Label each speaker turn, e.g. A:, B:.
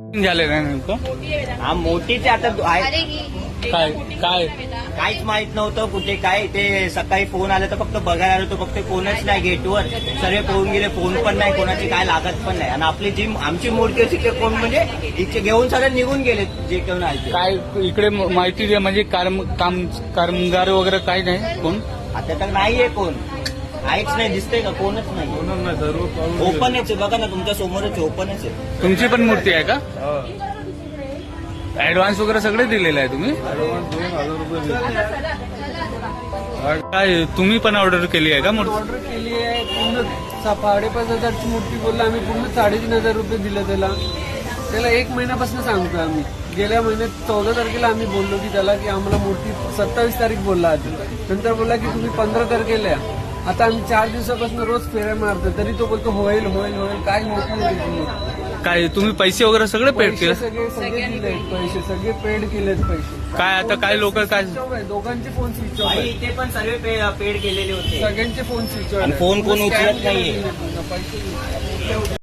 A: झाले नाही नेमकं
B: हा मोठीच आहे आता आहे.
A: काय काय
B: काहीच माहित नव्हतं कुठे काय ते. सकाळी फोन आला तर फक्त बघायला आलो तर फक्त कोणच नाही गेटवर. सर्व पळून गेले. फोन पण नाही कोणाची, काय लागत पण नाही. आणि आपली जी आमची मूर्ती होती ते कोण म्हणजे इथे घेऊन सगळे निघून गेले जे घेऊन आले.
A: काय इकडे माहिती द्या म्हणजे कामगार वगैरे काय नाही कोण
B: आता तर नाहीये कोण. काहीच नाही दिसतंय का, कोणच नाही. ओपनच आहे बघा ना, तुमच्या समोरच ओपनच आहे.
A: तुमची पण मूर्ती आहे का? ऍडव्हान्स वगैरे सगळे दिलेलं आहे तुम्ही? काय तुम्ही पण ऑर्डर केली आहे का मूर्ती?
C: ऑर्डर केली आहे. पूर्ण 5,500ची मूर्ती बोलला आम्ही. पूर्ण 3,500 रुपये दिले त्याला 1 महिन्यापासून सांगतोय आम्ही. गेल्या महिन्यात 14 तारखेला आम्ही बोललो की त्याला की आम्हाला मूर्ती 27 तारीख बोलला आधी. नंतर बोलला की तुम्ही 15 तारखेला. आता आम्ही 4 दिवसापासून रोज फेऱ्या मारतो तरी तो बोलतो होईल होईल होईल. काय होत नाही.
A: काय तुम्ही पैसे वगैरे सगळे पेड केले?
C: सगळे दिले पैसे, सगळे पेड केलेत पैसे.
A: काय आता काय लोक काय
C: दोघांचे फोन स्विच ऑफ आहे.
B: इथे पण सर्व पेड केलेले होते.
C: सगळ्यांचे फोन स्विच ऑफ
B: आणि फोन कोण उचलत नाहीये.
C: पैसे